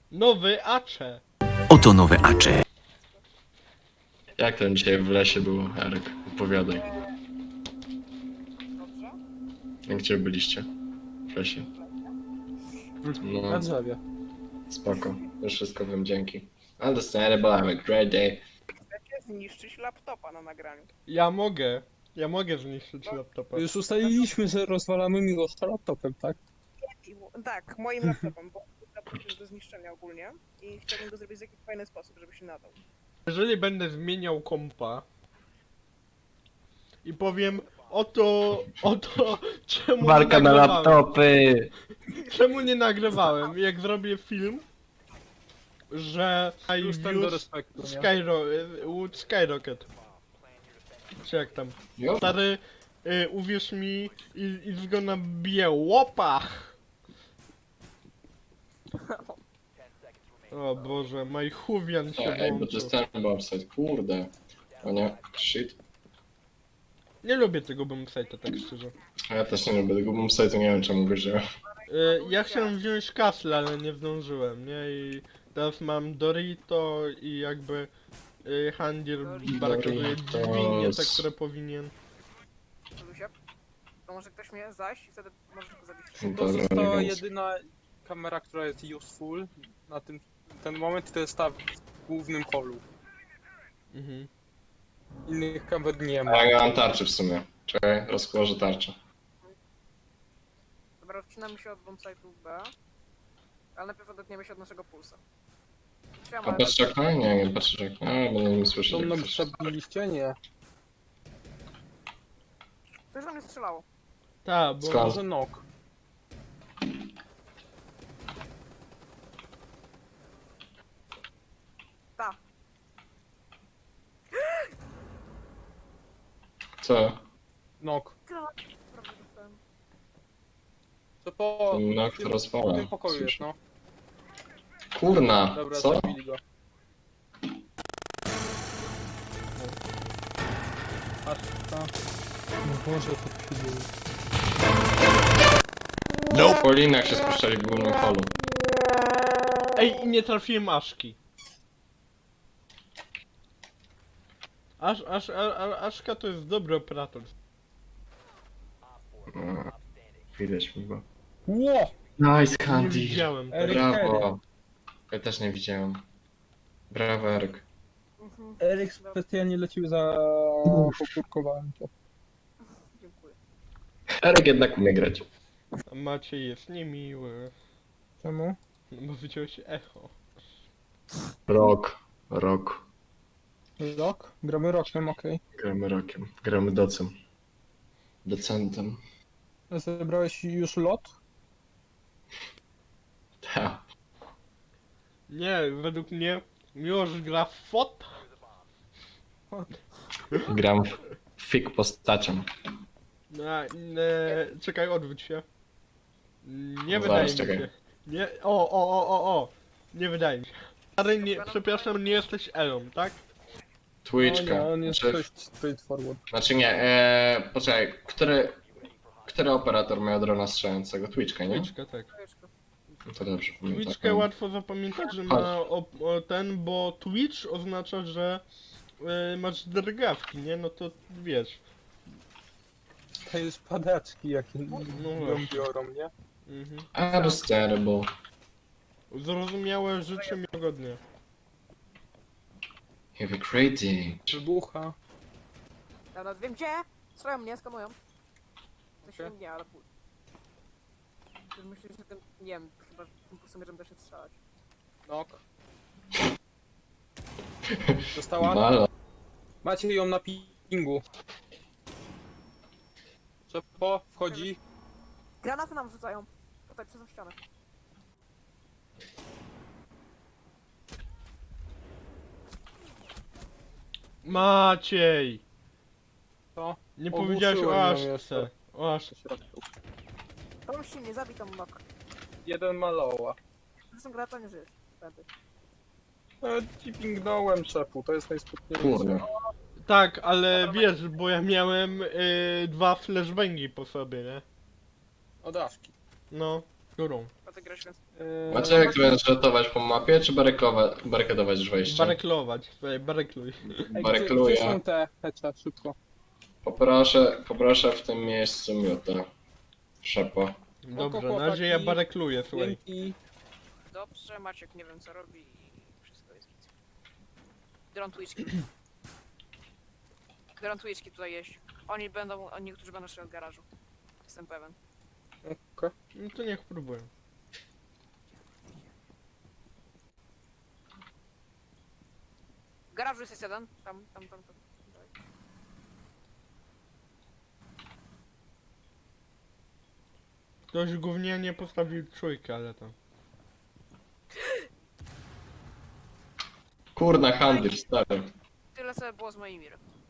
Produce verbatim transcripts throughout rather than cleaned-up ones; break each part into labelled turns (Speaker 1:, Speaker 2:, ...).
Speaker 1: Nowy Acze.
Speaker 2: Oto nowe Acze.
Speaker 3: Jak tam dzisiaj w lesie było, Eryk? Opowiadaj.
Speaker 4: Dobrze?
Speaker 3: Gdzie byliście? W lesie.
Speaker 5: Na
Speaker 3: No,
Speaker 5: drzewie.
Speaker 3: spoko. Już wszystko wiem, dzięki. Understandable, have a great day.
Speaker 4: Chcecie zniszczyć laptopa na nagraniu.
Speaker 1: Ja mogę. Ja mogę zniszczyć laptopa.
Speaker 5: Już ustaliliśmy, że rozwalamy Miłosza laptopem, tak?
Speaker 4: I, tak, moim laptopem, bo laptop jest do zniszczenia ogólnie i chciałbym go zrobić w jakiś fajny sposób, żeby się nadał.
Speaker 1: Jeżeli będę zmieniał kompa i powiem oto, oto czemu
Speaker 3: Walka
Speaker 1: nie
Speaker 3: na
Speaker 1: nagrywałem,
Speaker 3: laptopy!
Speaker 1: czemu nie nagrywałem, jak zrobię film, że I
Speaker 5: Plus ten do
Speaker 1: use
Speaker 5: respektu, nie?
Speaker 1: Skyro with Skyrocket. Czy jak tam?
Speaker 3: Jo.
Speaker 1: Stary, y, uwierz mi, i it's gonna be a łopa! O Boże, my Huwian się
Speaker 3: Ej, bo to
Speaker 1: włączył.
Speaker 3: jest ten bombsite, kurde. O nie, shit.
Speaker 1: Nie lubię tego bombsite'a, tak szczerze.
Speaker 3: A ja też nie lubię tego bombsite'u, nie wiem czemu go wziąłem.
Speaker 1: Y, ja chciałem wziąć Castle, ale nie zdążyłem, nie? I teraz mam Dorito i jakby y, Handier barakazuje dźwignię, te, które powinien.
Speaker 4: Lusia, to może ktoś mnie zaś i wtedy możesz go zabić.
Speaker 5: To
Speaker 3: Dobra,
Speaker 5: została
Speaker 3: nie
Speaker 5: jedyna kamera, która jest useful na tym, ten moment, to jest ta w głównym holu.
Speaker 1: Mhm.
Speaker 5: Innych kamer nie
Speaker 3: A
Speaker 5: ma.
Speaker 3: ja mam tarczę w sumie. Czekaj, rozkłożę tarczę.
Speaker 4: Dobra, odcinamy się od bombsite'u B, ale najpierw odetniemy się od naszego pulsa.
Speaker 3: A
Speaker 4: Siema,
Speaker 3: patrzysz okno? Nie, nie patrzysz okno. A, będę mi słyszeć.
Speaker 5: To
Speaker 3: jak
Speaker 5: mną
Speaker 3: coś.
Speaker 5: przabiliście? Nie.
Speaker 4: ktoś do mnie strzelało.
Speaker 1: Tak, bo...
Speaker 3: Skąd?
Speaker 5: Może nok.
Speaker 4: Ta,
Speaker 3: Co?
Speaker 5: Nok.
Speaker 4: prawie dostałem.
Speaker 5: To po...
Speaker 3: Ten nok to
Speaker 5: w
Speaker 3: rozwala.
Speaker 5: tym pokoju jest, no.
Speaker 3: Kurna,
Speaker 5: Dobra,
Speaker 3: co?
Speaker 5: zabili go. Aż ta... No Boże, co tu się dzieje?
Speaker 3: No. Po linach się spuszczali w głównym holu.
Speaker 1: Ej, i nie trafiłem Aszki. Aż, aż, a, a, Aszka to jest dobry operator.
Speaker 3: No, widać mi go.
Speaker 5: Ło!
Speaker 3: Nice,
Speaker 1: Nie
Speaker 3: Candy.
Speaker 1: widziałem tego.
Speaker 5: Eryk
Speaker 3: Brawo. Ja też nie widziałem. Brawo, Eryk.
Speaker 4: Mhm.
Speaker 5: Eryk specjalnie lecił za... Pokurkowałem to.
Speaker 4: Dziękuję.
Speaker 3: Eryk jednak umie grać.
Speaker 1: A Maciej jest niemiły.
Speaker 5: Czemu?
Speaker 1: No bo wyciąłeś echo.
Speaker 3: Rok. Rok.
Speaker 5: Rok? Gramy rokiem, okej.
Speaker 3: Gramy rokiem. Gramy docem. Docentem.
Speaker 5: Okay. Zebrałeś już lot?
Speaker 3: Ta.
Speaker 1: Nie, według mnie Miłosz gra w fot.
Speaker 3: Gram w fik postacią.
Speaker 1: No, e, czekaj, odwróć się. Nie
Speaker 3: Zaraz,
Speaker 1: wydaje mi
Speaker 3: czekaj.
Speaker 1: się. Nie, o, o, o, o, o. Nie wydaje mi się. Ale nie, przepraszam, nie jesteś Elą, tak?
Speaker 3: Twitchka.
Speaker 5: No nie, on jest
Speaker 3: Znaczy,
Speaker 5: dość straightforward.
Speaker 3: znaczy nie, eee, poczekaj, który, który operator miał drona strzelającego? Twitchka, nie?
Speaker 1: Twitchkę, tak.
Speaker 4: Kajeczko.
Speaker 3: No to dobrze pamiętam.
Speaker 1: Twitchkę łatwo zapamiętać, że ma o, o ten, bo Twitch oznacza, że y, masz drgawki, nie? No to wiesz.
Speaker 5: To jest padaczki, jakie
Speaker 1: No
Speaker 5: ją
Speaker 1: właśnie.
Speaker 5: biorą, nie?
Speaker 1: Mhm.
Speaker 3: Understandable.
Speaker 1: Zrozumiałe, życzę miłego dnia.
Speaker 3: Have a great day.
Speaker 5: Wybucha.
Speaker 4: Ja nawet wiem gdzie! Strzelają mnie, skanują. Coś
Speaker 5: Okej.
Speaker 4: okay. nie, ale pół. Myślę, że ten, nie wiem, chyba tym pulsomierzem da się strzelać.
Speaker 5: Nok. Dostała?
Speaker 3: Malo.
Speaker 5: Macie ją na pingu. Czepo, wchodzi.
Speaker 4: Granaty nam rzucają. Tutaj, przez tą ścianę.
Speaker 1: Maciej!
Speaker 5: Co?
Speaker 1: Nie
Speaker 5: Ogłuszyłem
Speaker 1: powiedziałeś
Speaker 5: ją
Speaker 1: o Aszce.
Speaker 5: jeszcze.
Speaker 1: O Aszce.
Speaker 4: Pomóż się, nie zabij tam nok.
Speaker 5: Jeden maloła.
Speaker 4: Zresztą granata nie żyjesz. Wtedy.
Speaker 5: E, ci pingnąłem czepu, to jest najsputniejsze.
Speaker 3: Kurde.
Speaker 1: Tak, ale wiesz, bo ja miałem y, dwa flashbangi po sobie, nie?
Speaker 5: Od Aszki.
Speaker 1: No, którą?
Speaker 4: ty grasz, więc...
Speaker 5: Eee,
Speaker 3: Macie jak to będziesz ratować po mapie, czy barykowa- barykadować już wejście?
Speaker 1: Bareklować, tutaj barekluj.
Speaker 5: ej, gdzie, gdzie
Speaker 3: Barykluję.
Speaker 5: są te hecze? Szybko.
Speaker 3: Poproszę, poproszę w tym miejscu miutę. Szepo.
Speaker 1: Dobrze,
Speaker 5: chłopaki.
Speaker 1: na razie ja barekluję, słuchaj.
Speaker 5: Dzięki.
Speaker 4: Dobrze, Maciek nie wiem co robi i wszystko jest git. Grunt whisky. Grunt whisky tutaj jeść. Oni będą, oni niektórzy będą szli od garażu. Jestem pewien.
Speaker 5: Okej.
Speaker 1: No to niech próbuję.
Speaker 4: W garażu jest jeden. Tam, tam, tam, tam. Dalej.
Speaker 1: Ktoś gównianie postawił trójkę, ale to...
Speaker 3: Kurna, handel, stary.
Speaker 4: Tyle co było z moimi.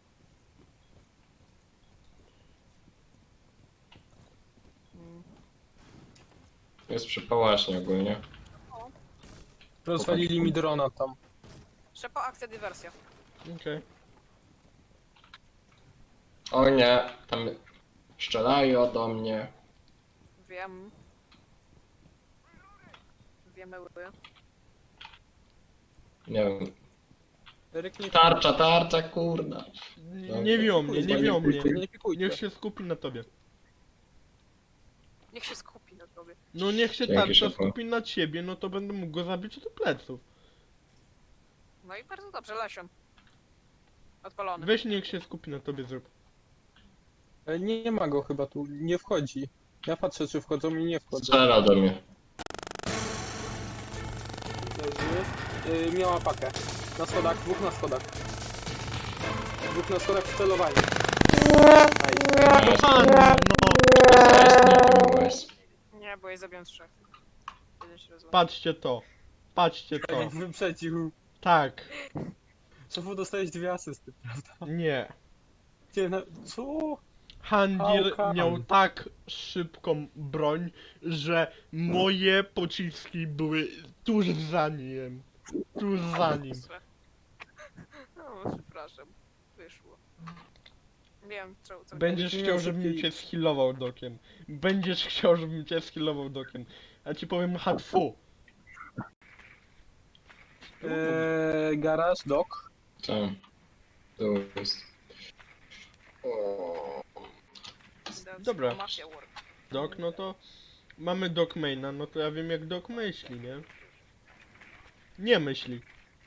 Speaker 3: Jest przypałaśnie ogólnie.
Speaker 5: Rozwalili mi drona tam.
Speaker 4: Szepa, akcja, dywersja.
Speaker 1: Okej.
Speaker 3: O nie, tam strzelają do mnie.
Speaker 4: Wiem. Wiemy,
Speaker 3: Nie wiem.
Speaker 5: Eryk nie
Speaker 3: Tarcza, tarcza, kurna.
Speaker 1: Nie, nie wią mnie, nie wią mnie.
Speaker 5: Nie pikujcie.
Speaker 1: Niech się skupi na tobie.
Speaker 4: Niech się skupi na tobie.
Speaker 1: No niech się
Speaker 3: Dzięki,
Speaker 1: tarcza
Speaker 3: szefu.
Speaker 1: skupi na ciebie, no to będę mógł go zabić do pleców.
Speaker 4: No i bardzo dobrze, Lesion. Odpalony.
Speaker 1: Weź niech się skupi na tobie, zrób.
Speaker 5: E, Nie, nie ma go chyba tu, nie wchodzi. Ja patrzę czy wchodzą i nie wchodzą.
Speaker 3: Strzela do mnie.
Speaker 5: Leży. E, miała pakę. Na schodach, dwóch na schodach. Dwóch na schodach w celowaniu. Nice.
Speaker 1: Kochany, no!
Speaker 3: Nie byłeś.
Speaker 4: Nie, bo jej zabiłem trzech. Jeden się rozłączył.
Speaker 1: Patrzcie to. Patrzcie to.
Speaker 5: Eryk wyprzedził.
Speaker 1: Tak.
Speaker 5: Szefu dostałeś dwie asysty, prawda?
Speaker 1: Nie.
Speaker 5: Nie, no, co?
Speaker 1: Handir
Speaker 5: How come?
Speaker 1: miał tak szybką broń, że moje pociski były tuż za nim. Tuż za nim.
Speaker 4: No, przepraszam. Wyszło. Wiem, co, co
Speaker 1: Będziesz
Speaker 5: Nie
Speaker 1: chciał,
Speaker 5: miał
Speaker 1: żebym
Speaker 5: szybkiej-
Speaker 1: cię skillował dokiem. Będziesz chciał, żebym cię skillował dokiem. A ci powiem hatfu.
Speaker 5: Eee, garaż, dok.
Speaker 3: Tam. Tu jest. O.
Speaker 1: Dobra.
Speaker 4: Mafia War.
Speaker 1: Dok, no to mamy dok maina, no to ja wiem jak dok myśli, nie? Nie myśli.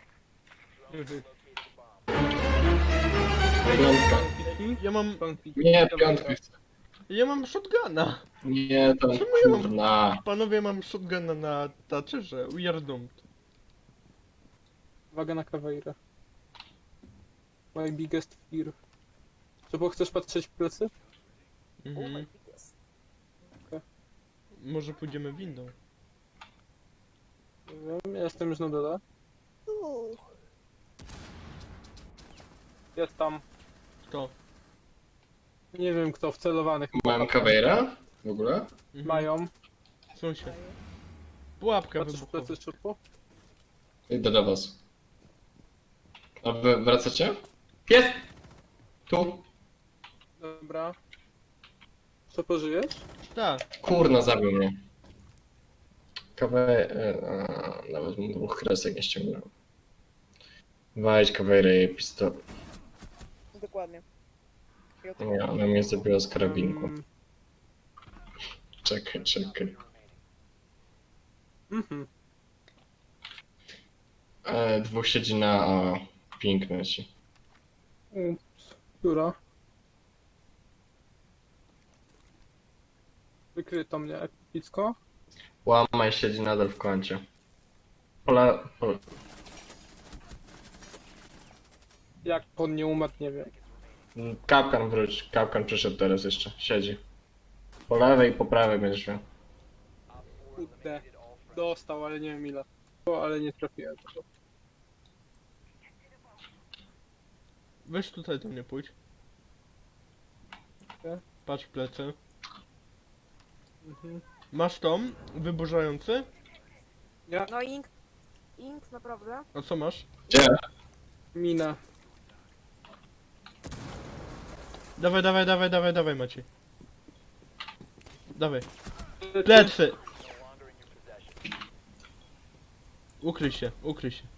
Speaker 3: Piątka.
Speaker 1: Ja mam,
Speaker 5: Pan pi-
Speaker 3: Nie, piątka chcę.
Speaker 1: ja mam shotguna.
Speaker 3: Nie, tam
Speaker 1: Czemu ja mam-
Speaker 3: kurna.
Speaker 1: Panowie, mam shotguna na taczerze, we are doomed.
Speaker 5: Uwaga na Caveira. My biggest fear. Co, bo chcesz patrzeć w plecy?
Speaker 1: Mhm. Może pójdziemy windą.
Speaker 5: Nie wiem, ja jestem już na dole. Jest tam.
Speaker 1: Kto?
Speaker 5: Nie wiem kto, wcelowanych.
Speaker 3: Mam Caveira? W ogóle?
Speaker 1: Mhm.
Speaker 5: Mają.
Speaker 1: Są się. Pułapka
Speaker 5: Patrzysz w
Speaker 1: wybuchowa.
Speaker 5: plecy szybko?
Speaker 3: Idę do was. A wy wracacie? Jest! Tu.
Speaker 5: Dobra. Co, pożyjesz?
Speaker 1: Tak.
Speaker 3: Kurna, zabił mnie. Kawę... Nawet mu dwóch kresek nie ściągnąłem. Wejdź Caveira i pistol.
Speaker 4: Dokładnie. I od-
Speaker 3: Nie, ona mnie zabiła z karabinku.
Speaker 5: Mm,
Speaker 3: Czekaj, czekaj.
Speaker 5: Mhm.
Speaker 3: E, dwóch siedzi na A. Piękne ci.
Speaker 5: Ups. Która? Wykryto mnie epicko.
Speaker 3: Łamaj siedzi nadal w kącie. Pola... Po...
Speaker 5: Jak on nie umarł, nie wiem.
Speaker 3: Kapkan wróć. Kapkan przyszedł teraz jeszcze. Siedzi. Po lewej i po prawej będziesz miał.
Speaker 5: Kurde. Dostał, ale nie wiem ile. O, ale nie trafiłem.
Speaker 1: Weź tutaj do mnie pójdź.
Speaker 5: Okej.
Speaker 1: Patrz w plecy.
Speaker 5: Mhm.
Speaker 1: Masz tą? Wyburzający?
Speaker 5: Ja,
Speaker 4: No ink. Ink, naprawdę?
Speaker 1: A co masz?
Speaker 3: Gdzie?
Speaker 5: mina.
Speaker 1: Dawaj, dawaj, dawaj, dawaj, dawaj Maciej. Dawaj. Plecy! Ukryj się, ukryj się.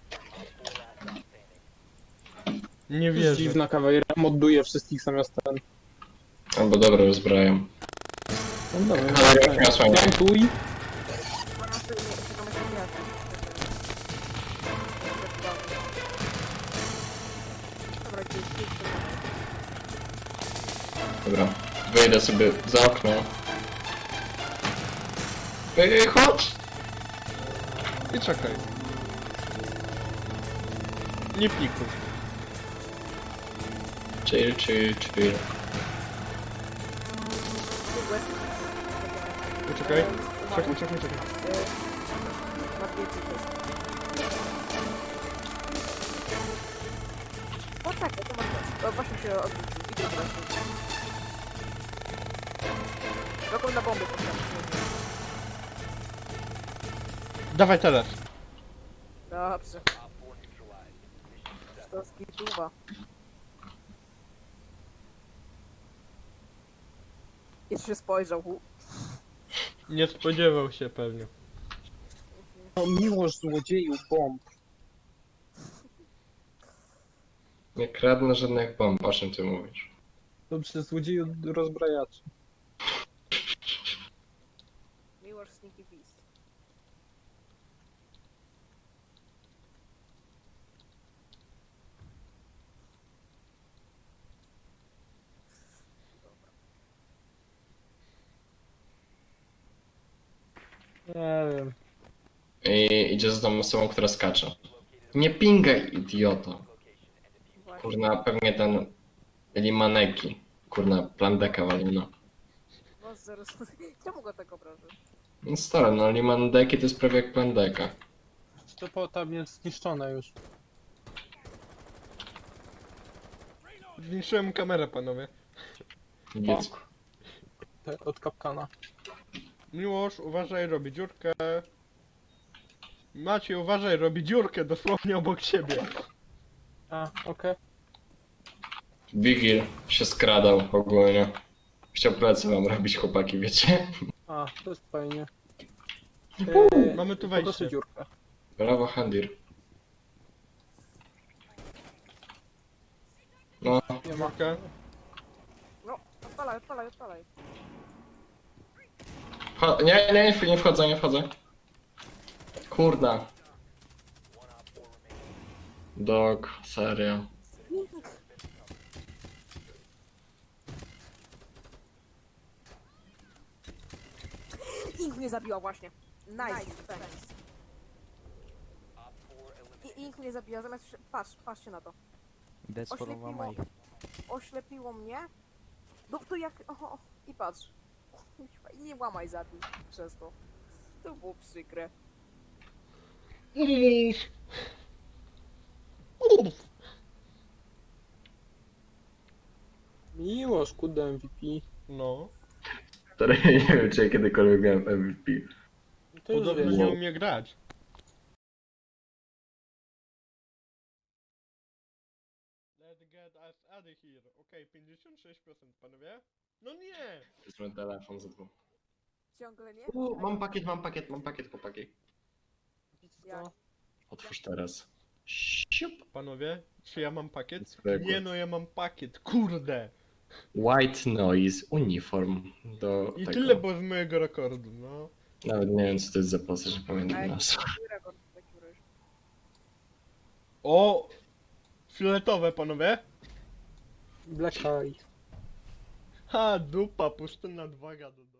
Speaker 1: Nie
Speaker 5: Jest
Speaker 1: wierzę.
Speaker 5: dziwna kawałera, modduje wszystkich zamiast ten.
Speaker 3: Albo dobra, rozbrajam.
Speaker 5: No dobra,
Speaker 3: Ale jak miał słańce.
Speaker 5: plantuj.
Speaker 4: Mam jeszcze nie, jeszcze mam jeszcze wiatr. Dobra, gdzieś, gdzieś to
Speaker 3: Dobra, wyjdę sobie za okno. Ej, chodź!
Speaker 1: I czekaj. Nie pikuj.
Speaker 3: Chill, chill, chill.
Speaker 1: Poczekaj. Czekaj, czekaj, czekaj.
Speaker 4: Poczekaj, to masz czas. O, właśnie się odwrócił. Widzę właśnie. Dokąd na bombę postawić.
Speaker 1: Dawaj teraz.
Speaker 4: Dobrze. To skituwa. Jeszcze się spojrzał. hu.
Speaker 1: Nie spodziewał się pewnie.
Speaker 5: No miłość złodzieju bomb.
Speaker 3: Nie kradnę żadnych bomb, o czym ty mówisz?
Speaker 5: Dobrze, złodzieju rozbrajaczy.
Speaker 4: Miłość Sneaky Beast.
Speaker 5: Nie wiem.
Speaker 3: I idzie za tą osobą, która skacze. Nie pingaj, idioto.
Speaker 4: Właśnie.
Speaker 3: Kurna, pewnie ten Limaneki. Kurna, plandeka walina.
Speaker 4: Was zaraz... Czemu go tak obrażę?
Speaker 3: No stary, no Limandeki to jest prawie jak plandeka.
Speaker 5: To po tam jest zniszczone już.
Speaker 1: Zniszczyłem kamerę, panowie.
Speaker 3: Nic.
Speaker 5: Te, od kapkana.
Speaker 1: Miłosz, uważaj, robi dziurkę. Maciej, uważaj, robi dziurkę dosłownie obok siebie.
Speaker 5: A, okej.
Speaker 3: Wigil się skradał ogólnie. Chciał plecy wam robić, chłopaki, wiecie?
Speaker 5: A, to jest fajnie.
Speaker 1: Mamy tu
Speaker 5: po prostu
Speaker 1: wejście.
Speaker 5: dziurkę.
Speaker 3: Brawo, Handir. No,
Speaker 5: Nie ma.
Speaker 1: Dziurkę.
Speaker 4: No, odpalaj, odpalaj, odpalaj.
Speaker 3: Wcho- nie, nie, nie wchodzę, nie wchodzę. Kurda. Dog, serio.
Speaker 4: Ink mnie zabiła właśnie. Nice. Thanks. I Ink mnie zabiła, zamiast... Patrz, patrzcie na to.
Speaker 2: That's for
Speaker 4: Oślepiło,
Speaker 2: Mama.
Speaker 4: oślepiło mnie. No to jak... Oho, i patrz. I nie łamaj zabił przez to. To było przykre.
Speaker 5: Miłość, kurde M V P.
Speaker 1: No.
Speaker 3: Stary, nie wiem, czy ja kiedykolwiek miałem M V P.
Speaker 5: To już
Speaker 1: Podobno
Speaker 5: wiesz.
Speaker 1: nie umie grać. Let's get us out of here. Okej, pięćdziesiąt sześć procent, panowie. No nie!
Speaker 3: Wezmę telefon za dwóch.
Speaker 4: Ciągle nie?
Speaker 3: U, mam pakiet, mam pakiet, mam pakiet, chłopaki.
Speaker 4: Jak?
Speaker 3: Otwórz teraz. Siup.
Speaker 1: Panowie, czy ja mam pakiet?
Speaker 3: Zwykły.
Speaker 1: Nie no, ja mam pakiet, kurde!
Speaker 3: White Noise Uniform do
Speaker 1: I
Speaker 3: tego.
Speaker 1: tyle było z mojego rekordu, no.
Speaker 3: Nawet nie wiem, co to jest za postać, że pamiętam
Speaker 4: Ej,
Speaker 3: nazwę.
Speaker 4: jaki rekord w takim razie?
Speaker 1: O! Fioletowe, panowie.
Speaker 5: Black Eye.
Speaker 1: Ha, dupa, pustynna dwa gada.